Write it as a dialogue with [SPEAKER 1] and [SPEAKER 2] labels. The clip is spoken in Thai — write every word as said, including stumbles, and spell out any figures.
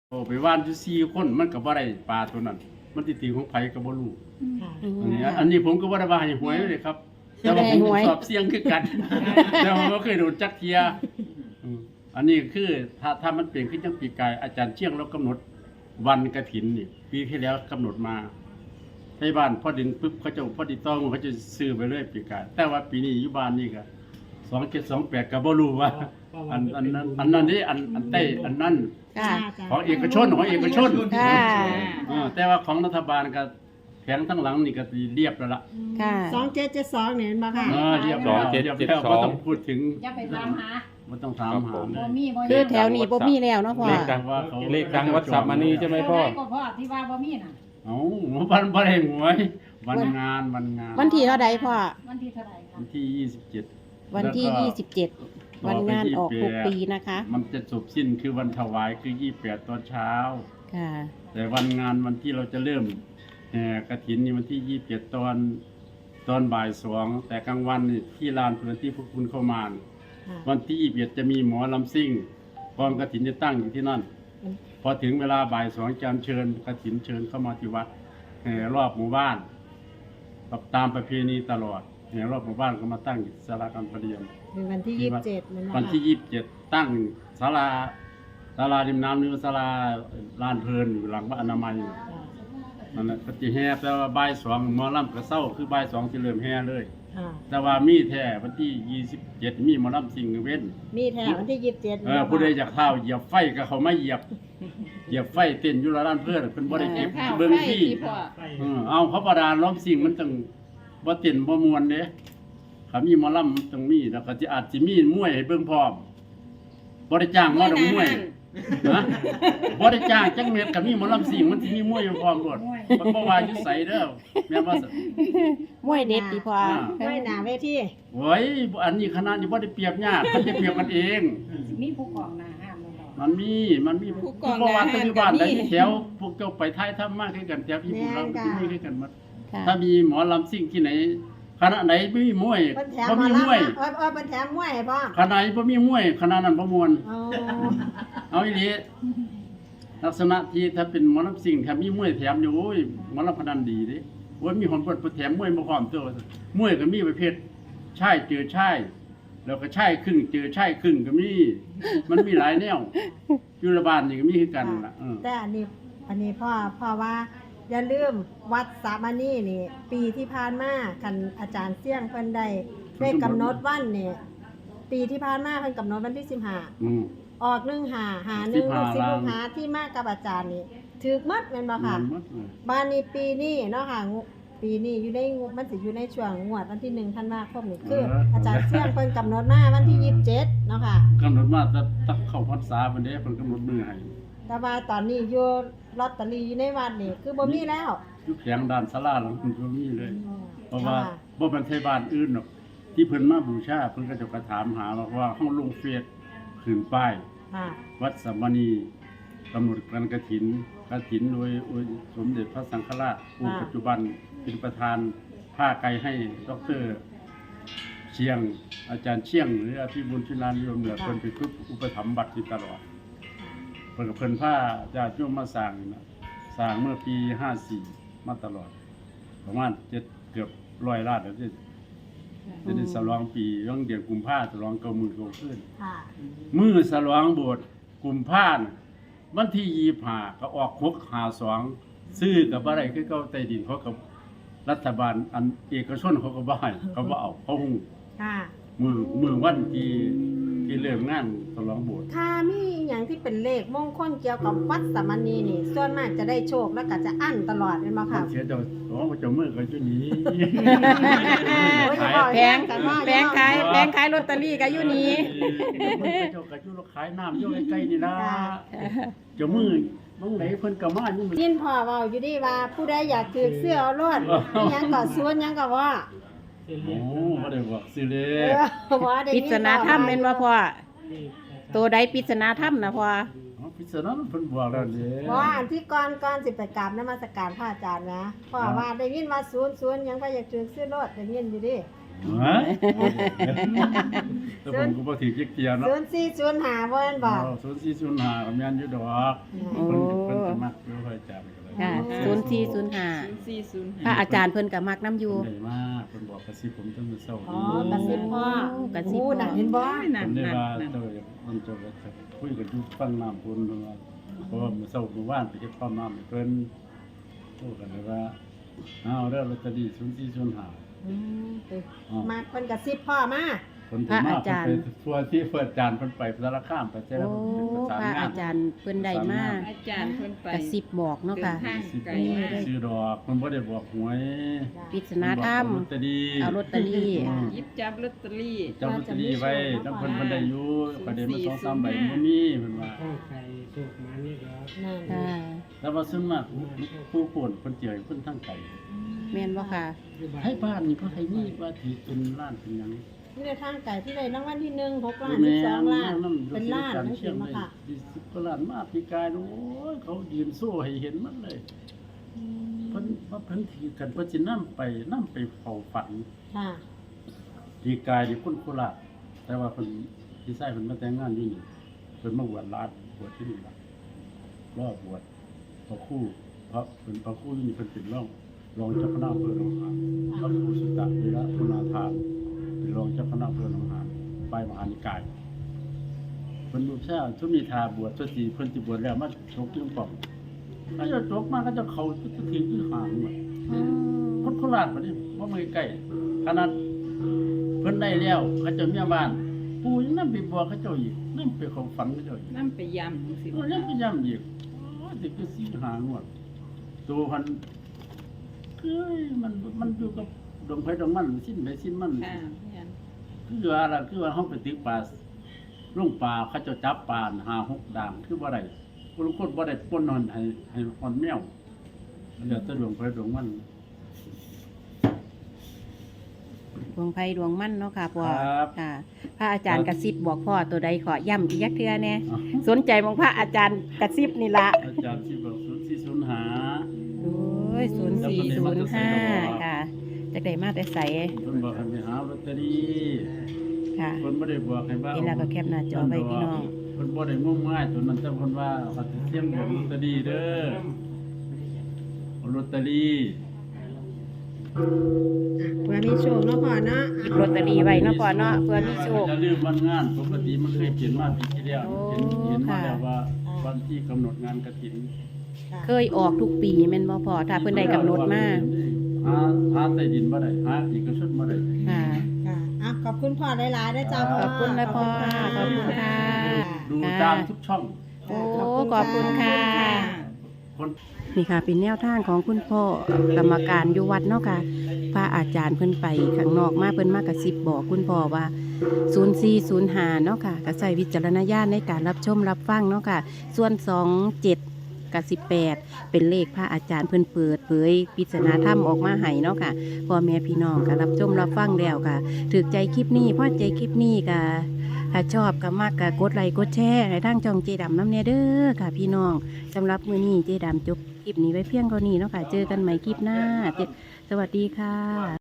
[SPEAKER 1] โอ้ไปว่านอยู่สี่คนมันก็บ่ได้ปลาตัวนั้นมันสิตีของไผก็บ่รู้
[SPEAKER 2] ค่ะ
[SPEAKER 1] อันนี้อันนี้ผมก็บ่ได้ว่าให้หวยเลยครับ แต่ว่าผมสอบเสียงคือกัน แต่ว่าบ่เคยโดนจักเที่ยอืมอันนี้คือถ้าถ้ามันเป็นขึ้นจังปีกายอาจารย์เชียงเรากำหนดวันกฐินนี่ปีที่แล้วกำหนดมาให้บ้านพอดึงปึ๊บเขาจะพอดีต้องเขาจะซื้อไปเรื่อยปีกายแต่ว่าปีนี้อยู่บ้านนี่ก็สองเจ็ดสองแปดก็บ่รู้ว่า อันอันนั้นอันนั้นนี่อันอันเต้อันนั้น
[SPEAKER 3] ค่ะ
[SPEAKER 1] ของเอกชนของเอกชน
[SPEAKER 3] ค่ะ
[SPEAKER 1] เออแต่ว่าของรัฐบาลก็แผงทั้งหลังนี่ก็เรียบแล้วล่ะ
[SPEAKER 3] ค่ะ
[SPEAKER 2] สองเจ็ดเจ็ดสองเนี่ยเห็นบ่ค่ะ
[SPEAKER 1] เออเรียบ
[SPEAKER 4] ส
[SPEAKER 1] แล้
[SPEAKER 4] อ
[SPEAKER 1] ว
[SPEAKER 4] งเจ็ด
[SPEAKER 1] เรียบ
[SPEAKER 4] เจ็ด
[SPEAKER 1] แล้ว
[SPEAKER 4] ส
[SPEAKER 1] บ่
[SPEAKER 4] อง
[SPEAKER 1] ต้องพูดถึง
[SPEAKER 5] อย่าไปตามหา
[SPEAKER 1] บ่ต้องถามหา
[SPEAKER 5] บ่
[SPEAKER 1] เลย
[SPEAKER 5] มีบ่
[SPEAKER 3] คือแถวนี้บ่มีแล้วเนาะพ่อ
[SPEAKER 4] เลขดังเลขดังวัดสัมมานีใช่ไหมพ่อ
[SPEAKER 5] เท่าใดก็พ่อที่ว่าบ่มีน่ะ
[SPEAKER 1] เอ้าวันบ่ได้หวยวันงานวันงาน
[SPEAKER 3] วันที่เท่าใดพ่อ
[SPEAKER 5] วันที่เท่าไหร่คะ
[SPEAKER 1] วันที่ยี่สิบเจ็ด
[SPEAKER 3] วันที่
[SPEAKER 1] แล้วก็
[SPEAKER 3] ยี่สิบเจ็ด วันงานออกทุกปีนะคะ
[SPEAKER 1] มันจะจบสิ้นคือวันถวายคือยี่สิบแปดตอนเช้า
[SPEAKER 3] ค่ะ
[SPEAKER 1] แต่วันงานวันที่เราจะเริ่มแห่กฐินนี่วันที่ยี่สิบเจ็ดตอนตอนบ่ายสองแต่กลางวันนี่ที่ลานพื้นที่พวกคุณเข้ามานี่
[SPEAKER 2] ค่ะ
[SPEAKER 1] วันที่ยี่สิบเอ็ดจะมีหมอลำซิ่งกองกฐินจะตั้งอยู่ที่นั่น พอถึงเวลาบ่ายสองจำเชิญกฐินเชิญเข้ามาที่วัดแห่รอบหมู่บ้านตามประเพณีตลอดแห่รอบหมู่บ้านก็มาตั้งอยู่ศาลาการประเรียน
[SPEAKER 2] เป็นวันที่ยี่สิบเจ็ดมันบ่
[SPEAKER 1] วัน
[SPEAKER 2] ค่ะ
[SPEAKER 1] ที่ยี่สิบเจ็ดตั้งศาลาศาลาริมน้ำหรือศาลาลานเพลินอยู่หลังวัดอนามัย
[SPEAKER 2] ค่ะ
[SPEAKER 1] นั่นแหละก็จะแห่แต่ว่าบ่ายสองหมอลำกระเซ้าคือบ่ายสองจะเริ่มแห่เลย
[SPEAKER 2] ค่ะ
[SPEAKER 1] แต่ว่ามีแท้วันที่ยี่สิบเจ็ดมีหมอลำสิงห์เว้น
[SPEAKER 2] มีแถววันที่ยี่สิบเจ็ด
[SPEAKER 1] เออผู้ใดอยากเท้าเหยียบไฟก็เขาไม่เหยียบเหยียบไฟเต้นอยู่ละด้านเพื่อนเพิ่นบ่ได้เก็บเบิ่งที่เออเอาเขาประดานล้อมสิ่งมันต้องบ่เต้นบ่ม่วนเด้ถ้ามีหมอลำมันต้องมีแล้วก็สิอาจสิมีมวยให้เบิ่งพร้อมบ่ได้จ้างหมอดอกมวยนะบ่ได้จ้างจักเม็ดก็มีหมอลำสิ่งมันสิมีมวยอยู่พร้อมโลดมันบ่ว่าอยู่ไสเด้อแม่นว่าซั่น
[SPEAKER 3] มวยเด็ดดีพ่อ
[SPEAKER 2] ไม่หนาเวที
[SPEAKER 1] โอ้ยอันนี้คณะนี้บ่ได้เปรียบยากเขาจะเปรียบกันเอง
[SPEAKER 5] มีผู้กองหน้าห้ามบ่พ่อ
[SPEAKER 1] มันมี มันมี
[SPEAKER 3] ผู้กอง
[SPEAKER 1] เพราะว่า
[SPEAKER 3] ทหาร
[SPEAKER 1] ปัจจุบัน
[SPEAKER 3] ก็มี
[SPEAKER 1] ได้แถวพวกเจ้าไปท้ายถ้ำมากขึ้นกันแถวพี่พวกเราที่มีขึ้นกันหมด
[SPEAKER 3] ค่ะ
[SPEAKER 1] ถ้ามีหมอลำซิ่งที่ไหนคณะไหนไม่มีมวย
[SPEAKER 2] เป็นแถม
[SPEAKER 1] บ่
[SPEAKER 2] มา
[SPEAKER 1] มี
[SPEAKER 2] แล้ว
[SPEAKER 1] มวย
[SPEAKER 2] เออเออเป็นแถมมวยให้พ่อ
[SPEAKER 1] คณะไหนบ่มีมวยคณะนั้นบ่ม่วน
[SPEAKER 2] อ๋อ
[SPEAKER 1] เอาอีหลีลักษณะที่ถ้าเป็นหมอลำซิ่งถ้ามีมวยแถมอยู่โอ้ยหมอลำพนันดีเด้โอ้ยมีคนเปิดแถมมวยมาพร้อมตัวมวยก็มีประเภทชายเจอชายแล้วก็ชายครึ่งเจอชายครึ่งก็มี มันมีหลายแนวอยู่ละบ้านนี่ก็มีคือกันล่ะเออ
[SPEAKER 2] แต่อันนี้อันนี้พ่อพ่อว่าอย่าลืมวัดสามานีนี่ ปีที่ผ่านมาคันอาจารย์เสี่ยงเพิ่นได้ได้กำหนดวันนี่ปีที่ผ่านมาเพิ่นกำหนดวันที่สิบห้า
[SPEAKER 1] อืม
[SPEAKER 2] ออกหนึ่งหาหาหนึ่งลูกศิษย์
[SPEAKER 1] สิบห้า
[SPEAKER 2] ลูกหาที่มากับอาจารย์นี่ถือมัดแม่นบ่ค่ะ
[SPEAKER 1] มันหมดเลย
[SPEAKER 2] บ้านนี้ปีนี้เนาะค่ะงูปีนี้อยู่ในงูมันสิอยู่ในช่วงงวดวันที่หนึ่งธันวาคมนี่คือ อาจารย์เสี่ยงเพิ่นกำหนดมาวันที่ยี่สิบเจ็ดเนาะค่ะ
[SPEAKER 1] กำหนดมาแต่ตักเข้าพรรษาเพิ่นเด้เพิ่นกำหนดมือให้
[SPEAKER 2] แต่ว่าตอนนี้อยู่ลอตเตอรี่อยู่ในวัดนี่คือบ่มีแล้ว
[SPEAKER 1] อยู่แขงด้านศาลาหลังเพิ่นบ่มีเลย เพราะว่า
[SPEAKER 2] ค่ะ
[SPEAKER 1] บ่เป็นไทบ้านอื่นหรอกที่เพิ่นมาบูชาเพิ่นก็จะกระถามหาว่าว่าเฮาลงเฟซขึ้นป้าย
[SPEAKER 2] ค่ะ
[SPEAKER 1] วัดสัมมณีกำหนดการกฐินกฐินโดยโดยสมเด็จพระสังฆราชองค์ปัจจุบันเป็นประธานผ้าไกรให้ดรเชียง อาจารย์เชียง หรืออภิบุญชินานิยมเหนือเพิ่นเป็นผู้อุปถัมภ์บัตรอยู่ตลอดเพิ่นกับเพิ่นผ้าญาติโยมมาสร้างนี่นะสร้างเมื่อปีห้าสี่มาตลอด ประมาณเจ็ดเกือบร้อยล้านแล้วที่จะได้ฉลองปีเรื่องเดือนกุมภาพันธ์ฉลองเก้าหมื่นกว่าขึ้น
[SPEAKER 2] ค่ะ
[SPEAKER 1] มือฉลองโบสถ์กุมภาพันธ์วันที่ยี่สิบห้าก็ออกหกหาสองซื้อกับอะไรคือเก้าใต้ดินเขากับรัฐบาลอันเอกชนเขาก็บ่ให้เขาบ่เอาเขาหู
[SPEAKER 2] ค่ะ
[SPEAKER 1] มือมือวันที่ที่เริ่มงานฉลองโบสถ์
[SPEAKER 2] ถ้ามีอย่างที่เป็นเลขมงคลเกี่ยวกับวัดสามณีนี่ ส่วนมากจะได้โชคแล้วก็จะอั้นตลอดเป็นบ่
[SPEAKER 1] มั
[SPEAKER 2] ค่ะ
[SPEAKER 1] นเสียเจ้าโอ้เจ้ามือก็อยู่นี้
[SPEAKER 2] โอ้ย
[SPEAKER 1] ขาย
[SPEAKER 2] บอก
[SPEAKER 3] แพงแพงขายแพงขายลอตเตอรี่ก็อยู่นี้
[SPEAKER 1] เจ้าก็อยู่ขายน้ำอยู่ใกล้ๆนี่ล่ะเจ้ามือมองไหนเพิ่นก็มาอยู่มื้อ
[SPEAKER 2] ยินพ่อเว้าอยู่ดีว่าผู้ใดอยากถือเสื้อเอารอดอิหยังก็สวนหยังก็ว่า
[SPEAKER 1] โอ้บ่ได้บอกสิเล
[SPEAKER 2] เอย อว่าได้
[SPEAKER 3] ปริ
[SPEAKER 2] ยิ
[SPEAKER 3] ศนาถ้ำเป็นว่าพ่อตัวใดปริศนาถ้ำนะพ่อ
[SPEAKER 1] อ๋อพิศนาเพิ่นบอกแล้วเด้
[SPEAKER 2] ว่าอันที่ก่อนก่อนสิไปกราบนมัสการพระอาจารย์นะพ่อว่าได้ยินว่าสวนสวนหยังก็อยากถือเสื้อรอดได้ยินอยู่ดิ
[SPEAKER 1] ฮะแต่ผมก็บ่ถือเกียร์เนาะ
[SPEAKER 2] ศูนย์สี่ศูนย์ห้าบ่แม่นบ่
[SPEAKER 1] ศูนย์สี่ศูนย์ห้าก็แม่นอยู่ดอก
[SPEAKER 3] โอ้
[SPEAKER 1] เพิ่นเพิ่นก็มักอยู่ค่อยจำก็ได้
[SPEAKER 3] ค่ะศูนย์สี่ศูนย์ห้าพระอาจารย์เพิ่นก็มักน้ำอยู่
[SPEAKER 1] เพิ่นได้มากเพิ่นบอกกระซิบผมตั้งแต่เช้า
[SPEAKER 2] อ๋อ
[SPEAKER 1] นี้
[SPEAKER 2] กระซิบพ่อก
[SPEAKER 3] ระซิบพ่อ
[SPEAKER 2] โน่ะเห็นบ่
[SPEAKER 1] ผมได้ว่าเจ้ามันเจ้าก็จะคุยกันอยู่ฟังน้ำพุ่นเพิ่นว่าเพราะว่ามื้อเช้ามื้อวานไปเก็บความน้ำให้เพิ่นโทรกันเลยว่าเอาเด้อลอตเตอรี่ศูนย์สี่ศูนย์ห้า
[SPEAKER 2] อืม
[SPEAKER 1] อ๋อ
[SPEAKER 2] มาเพิ่นกระซิบพ่อมา
[SPEAKER 1] คนถึงมากเพิ่นไปทัวร์ที่เปิดจานเพิ่นไปสารคามไปเจ้า
[SPEAKER 3] โอ้
[SPEAKER 1] เป็นประสาน
[SPEAKER 3] พระ
[SPEAKER 1] งา
[SPEAKER 3] อาน จารย์เพิ่นได้มา
[SPEAKER 6] อาจารย์เพิ่นไป
[SPEAKER 3] กระซิบบอกเนาะค่ะ
[SPEAKER 6] เดินทาง
[SPEAKER 1] สิบ
[SPEAKER 6] ไกลมาก
[SPEAKER 1] ซื้อดอกมันบ่ได้บอกหวย
[SPEAKER 3] ปริศนาธรรม
[SPEAKER 1] เพิ่นบอกลอตเตอรี่
[SPEAKER 3] เอาลอตเตอรี่
[SPEAKER 1] อืม
[SPEAKER 6] หยิบจับลอตเตอรี่
[SPEAKER 1] จำลอตเตอรี่ไว้น้ำเพิ่นเพิ่นได้อยู่ประเด็นมันสองสามใบบ่มีเพิ่นว่า
[SPEAKER 2] นั่น
[SPEAKER 3] ค่ะ
[SPEAKER 1] แล้วว่าซึ่งมากผู้ป่วนเพิ่นเจียเพิ่นทั้งไก่
[SPEAKER 3] แม่นบ่ค่ะ
[SPEAKER 1] ให้บ้านนี่เพิ่นให้มีว่าถือเป็นล้านเป็นหยัง
[SPEAKER 2] ที่ได้ทางไก่ที่ได้รางวัลที่หนึ่งหกล้านสิบสองล้านเป็นล้านนั่น
[SPEAKER 1] เชี
[SPEAKER 2] สิ
[SPEAKER 1] ยง
[SPEAKER 2] มา
[SPEAKER 1] เลย
[SPEAKER 2] ค่ะ
[SPEAKER 1] สิบกว่าล้านมาพี่กายโอ้ยเขายืนโซ่ให้เห็นมันเลย เพิ่นว่าเพิ่นถือกันเพิ่นสินำไปนำไปเฝ้าฝัน
[SPEAKER 2] ค่ะ
[SPEAKER 1] พี่กายนี่คนโคราชแต่ว่าเพิ่นพี่ชายเพิ่นมาแต่งงานอยู่นี่เพิ่นมาบวชลาดบวชที่นี่ล่ะรอบบวชพระครูเพราะเพิ่นพระครูอยู่นี่เพิ่นเป็นรองรองเจ้าคณะอำเภอหนองหานพระครูสุตตะวีระพุนาทานเป็นรองเจ้าคณะอำเภอหนองหานฝ่ายมหานิกายเพิ่นบูชาทุมีทาบวชตัวสีเพิ่นสิบวชแล้วมาชกที่ป่องถ้าจะชกมาก็จะเข้าทุกทีที่หางหมด คนโคราชบัดนี้บ่มือใกล้ขนาดเพิ่นได้แล้วเขาเจ้าเมียบ้านปู่ยังนำไปบอกเขาเจ้าอีกนำไปเข้าฝันเขาเจ้าอีก
[SPEAKER 6] นํไปยำจังซี่
[SPEAKER 1] เออยังไปย้ำอีกโอ้ยสิคือสิหางวดตัวพันคือมันมันอยู่กับดวงไฟดวงมันสิ้นไปสิ้นมัน
[SPEAKER 6] ค่ะแม่น
[SPEAKER 1] คือว่าล่ะคือว่าเฮาไปตึกปลาลงปลาเขาเจ้าจับปลาห้าหกด่างคือบ่ได้คนละคนบ่ได้ปนนอนให้ให้ฮอนแมวเหลือแต่ดวงไฟดวงมัน
[SPEAKER 3] ดวงไฟดวงมั่นเนาะค่ะพ่อ
[SPEAKER 1] ครับ
[SPEAKER 3] ค่ะ พระอาจารย์กระซิบบอกพ่อตัวใดขอย้ำอีกยักเทื่อแน่
[SPEAKER 1] อ๋อ
[SPEAKER 3] สนใจมองพระอาจารย์กระซิบนี่ละ
[SPEAKER 1] อาจารย์ที่บอกศูนย์สี่ศูนย์หา
[SPEAKER 3] โอ้ยศูนย์สี่ศูนย์ห้าค่ะจากได้มาแต่ใส
[SPEAKER 1] เพิ่นบอกให้ไปหาลอตเตอรี่
[SPEAKER 3] ค่ะ
[SPEAKER 1] เพิ่นบ่ได้บอกให้ว่า
[SPEAKER 3] นี่ล่ะก็แคปหน้าจอไว้พี่น้อง
[SPEAKER 1] เพิ่นบ่ได้งมงายตัวนั้นแต่เพิ่นว่าเขาสิเสี่ยงบอกลอตเตอรี่เด้อเอาลอตเตอรี่
[SPEAKER 2] เพื่อมีโชคเนาะพ่อเนาะ
[SPEAKER 3] หยิบลอตเตอรี่ไว้เนาะพ่อเนาะเพื่อมีโชค
[SPEAKER 1] อย่าลืมวันงานปกติมันเคยเขียนมาปีที่แล้ว
[SPEAKER 3] โอ้
[SPEAKER 1] เห็นเห็นมา
[SPEAKER 3] ค่ะ
[SPEAKER 1] แล้วว่าวันที่กำหนดงานกฐิน
[SPEAKER 3] เคยออกทุกปีแม่นบ่พ่อถ้าเพิ่นได้กำหนดมา
[SPEAKER 1] หาหาใต้ดินบ่ได้หาเอกชนบ่ได้
[SPEAKER 3] ค่ะ
[SPEAKER 2] ค่ะอ่ะขอบคุณพ่อหลายๆได้อจ้าพ่อ
[SPEAKER 3] ขอบคุณนะพ่อขอบคุณค่ะ
[SPEAKER 1] ดูตามทุกช่อง
[SPEAKER 3] โอ้ขอบคุณค่ะ
[SPEAKER 1] คน
[SPEAKER 3] นี่ค่ะเป็นแนวทางของคุณพ่อกรรมการอยู่วัดเนาะค่ะพระอาจารย์เพิ่นไปข้างนอกมาเพิ่นมากระซิบบอกคุณพ่อว่าศูนย์สี่ศูนย์ห้าเนาะค่ะก็ใช้วิจารณญาณในการรับชมรับฟังเนาะค่ะ ส่วนสองเจ็ดกับสิบแปดเป็นเลขพระอาจารย์เพิ่นเปิดเผยปริศนาธรรมออกมาให้เนาะค่ะพ่อแม่พี่น้องก็รับชมรับฟังแล้วค่ะถูกใจคลิปนี้พอใจคลิปนี้ก็ถ้าชอบก็มากก็กดไลค์กดแชร์ให้ทางช่องเจดำน้ำเนเด้อค่ะพี่น้องสำหรับมื้อนี้เจดำจบคลิปนี้ไว้เพียงเท่านี้เนาะค่ะเจอกันใหม่คลิปหน้าเจสวัสดีค่ะ